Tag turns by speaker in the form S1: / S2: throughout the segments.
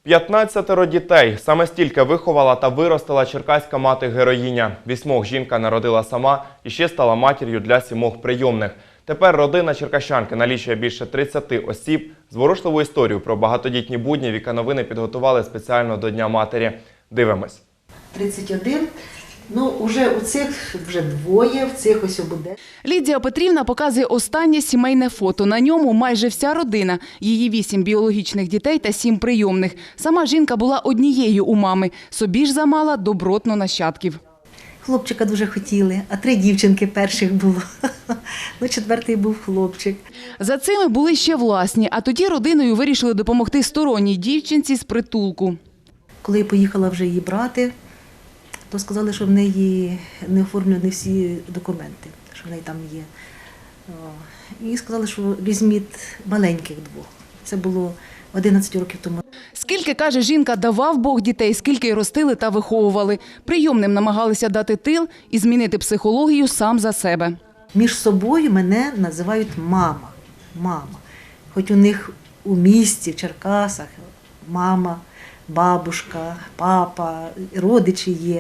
S1: 15 дітей. Саме стільки виховала та виростила черкаська мати-героїня. 8 жінка народила сама і ще стала матір'ю для 7 прийомних. Тепер родина черкащанки налічує більше 30 осіб. Зворушливу історію про багатодітні будні Віка Новини підготували спеціально до Дня матері. Дивимось.
S2: 31. Уже у цих вже двоє, в цих ось буде.
S3: Лідія Петрівна показує останнє сімейне фото. На ньому майже вся родина. Її 8 біологічних дітей та 7 прийомних. Сама жінка була однією у мами. Собі ж замала добротно нащадків.
S2: Хлопчика дуже хотіли, а 3 дівчинки перших було. 4-й був хлопчик.
S3: За цими були ще власні, а тоді родиною вирішили допомогти сторонній дівчинці з притулку.
S2: Коли я поїхала вже її брати, то сказали, що в неї не оформлені всі документи, що в неї там є. І сказали, що візьміть маленьких 2. Це було 11 років тому.
S3: Скільки, каже жінка, давав Бог дітей, скільки й ростили та виховували. Прийомним намагалися дати тил і змінити психологію сам за себе.
S2: Між собою мене називають мама. Мама. Хоч у них у місті, в Черкасах, мама, бабушка, папа, родичі є.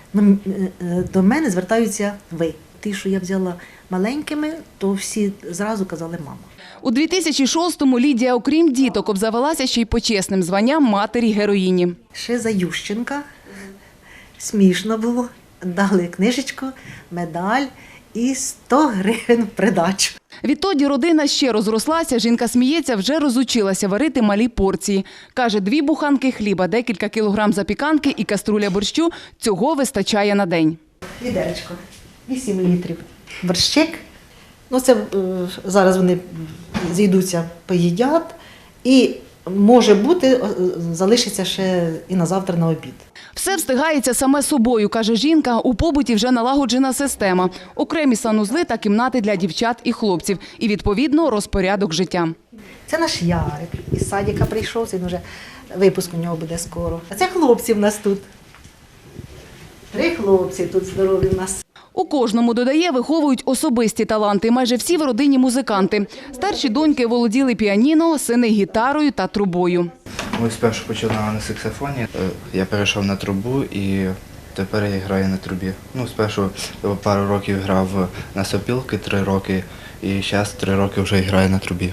S2: До мене звертаються ви. Ті, що я взяла маленькими, то всі зразу казали мама.
S3: У 2006-му Лідія, окрім діток, обзавелася ще й почесним званням матері-героїні.
S2: Ще за Ющенка. Смішно було. Дали книжечку, медаль і 100 гривень в придачу.
S3: Відтоді родина ще розрослася, жінка сміється, вже розучилася варити малі порції. Каже, 2 буханки хліба, декілька кілограм запіканки і каструля борщу – цього вистачає на день.
S2: Відеречко, 8 літрів. Борщик. Це зараз вони зійдуться, поїдять. І, може бути, залишиться ще і на завтра на обід.
S3: Все встигається саме собою, каже жінка. У побуті вже налагоджена система. Окремі санузли та кімнати для дівчат і хлопців. І, відповідно, розпорядок життя.
S2: Це наш Ярик. Із садика прийшов, він вже випуск у нього буде скоро. А це хлопці в нас тут. 3 хлопці тут здорові в нас.
S3: У кожному, додає, виховують особисті таланти. Майже всі в родині музиканти. Старші доньки володіли піаніно, сини – гітарою та трубою.
S4: Ми спершу починали на саксофоні, я перейшов на трубу і тепер я граю на трубі. Спершу пару років грав на сопілки, 3 роки, і зараз 3 роки вже граю на трубі.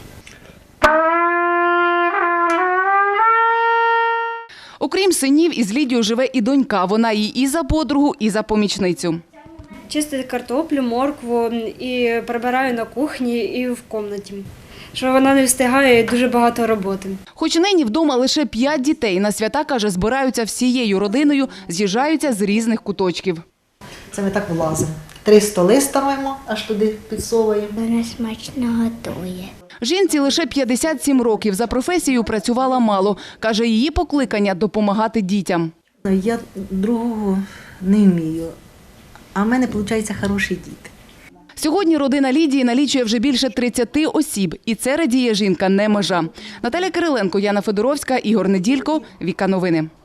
S3: Окрім синів, із Лідією живе і донька. Вона їй і за подругу, і за помічницю.
S5: Чистити картоплю, моркву і прибираю на кухні і в кімнаті. Що вона не встигає, дуже багато роботи.
S3: Хоч нині вдома лише 5 дітей, на свята, каже, збираються всією родиною, з'їжджаються з різних куточків.
S2: Це ми так влазимо. 3 столи ставимо, аж туди підсовуємо.
S6: Вона смачно готує.
S3: Жінці лише 57 років. За професією працювала мало. Каже, її покликання – допомагати дітям.
S2: Я другого не вмію, а в мене, виходить, хороші діти.
S3: Сьогодні родина Лідії налічує вже більше 30 осіб. І це, радіє жінка, не межа. Наталя Кириленко, Яна Федоровська, Ігор Неділько, Віка Новини.